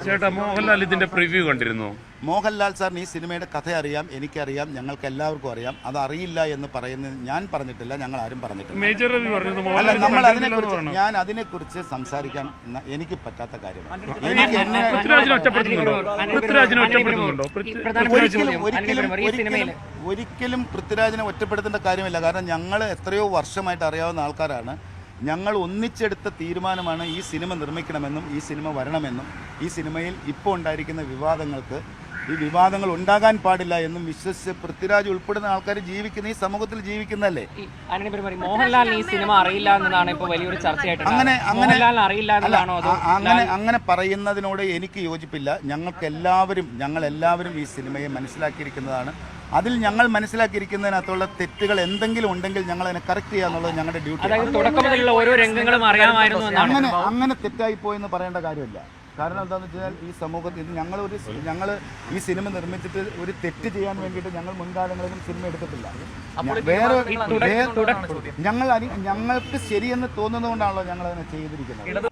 ചേട്ടാ, മോഹൻലാൽ ഇതിന്റെ പ്രിവ്യൂ കണ്ടിരുന്നു? മോഹൻലാൽ സാറിന് ഈ സിനിമയുടെ കഥ അറിയാം, എനിക്കറിയാം, ഞങ്ങൾക്ക് എല്ലാവർക്കും അറിയാം. അത് അറിയില്ല എന്ന് പറയുന്നത് ഞാൻ പറഞ്ഞിട്ടില്ല, ഞങ്ങൾ ആരും പറഞ്ഞിട്ടില്ല. അല്ല, നമ്മൾ അതിനെക്കുറിച്ച് ഞാൻ അതിനെക്കുറിച്ച് സംസാരിക്കാൻ എനിക്ക് പറ്റാത്ത കാര്യമാണ്. ഒരിക്കലും പൃഥ്വിരാജിനെ ഒറ്റപ്പെടുത്തേണ്ട കാര്യമില്ല. കാരണം ഞങ്ങൾ എത്രയോ വർഷമായിട്ട് അറിയാവുന്ന ആൾക്കാരാണ്. ഞങ്ങൾ ഒന്നിച്ചെടുത്ത തീരുമാനമാണ് ഈ സിനിമ നിർമ്മിക്കണമെന്നും ഈ സിനിമ വരണമെന്നും ഈ സിനിമയിൽ ഇപ്പോൾ ഉണ്ടായിരിക്കുന്ന ഈ വിവാദങ്ങൾ ഉണ്ടാകാൻ പാടില്ല എന്നും വിശ്വസിച്ച് പൃഥ്വിരാജ് ഉൾപ്പെടുന്ന ആൾക്കാർ ജീവിക്കുന്ന ഈ സമൂഹത്തിൽ ജീവിക്കുന്നതല്ലേ. മോഹൻലാലിന് ഈ സിനിമ അറിയില്ല എന്നതാണ് ഇപ്പോൾ വലിയൊരു ചർച്ചയായിട്ട്. അങ്ങനെ പറയുന്നതിനോട് എനിക്ക് യോജിപ്പില്ല. ഞങ്ങളെല്ലാവരും ഈ സിനിമയെ മനസ്സിലാക്കിയിരിക്കുന്നതാണ്. അതിൽ ഞങ്ങൾ മനസ്സിലാക്കിയിരിക്കുന്നതിനകത്തുള്ള തെറ്റുകൾ എന്തെങ്കിലും ഉണ്ടെങ്കിൽ ഞങ്ങൾ അതിനെ കറക്റ്റ് ചെയ്യുക എന്നുള്ളത് ഞങ്ങളുടെ ഡ്യൂട്ടി. ഓരോ രംഗങ്ങളും അറിയാമായിരുന്നു. അങ്ങനെ തെറ്റായി പോയെന്ന് പറയേണ്ട കാര്യമില്ല. കാരണം എന്താണെന്ന് വെച്ചാൽ ഈ സമൂഹത്തിൽ ഞങ്ങൾ ഈ സിനിമ നിർമ്മിച്ചിട്ട് ഒരു തെറ്റ് ചെയ്യാൻ വേണ്ടിയിട്ട് ഞങ്ങൾ മുൻകാലങ്ങളിലും സിനിമ എടുത്തിട്ടില്ല. ഞങ്ങൾക്ക് ശരിയെന്ന് തോന്നുന്നതുകൊണ്ടാണല്ലോ ഞങ്ങൾ അതിനെ ചെയ്തിരിക്കുന്നത്.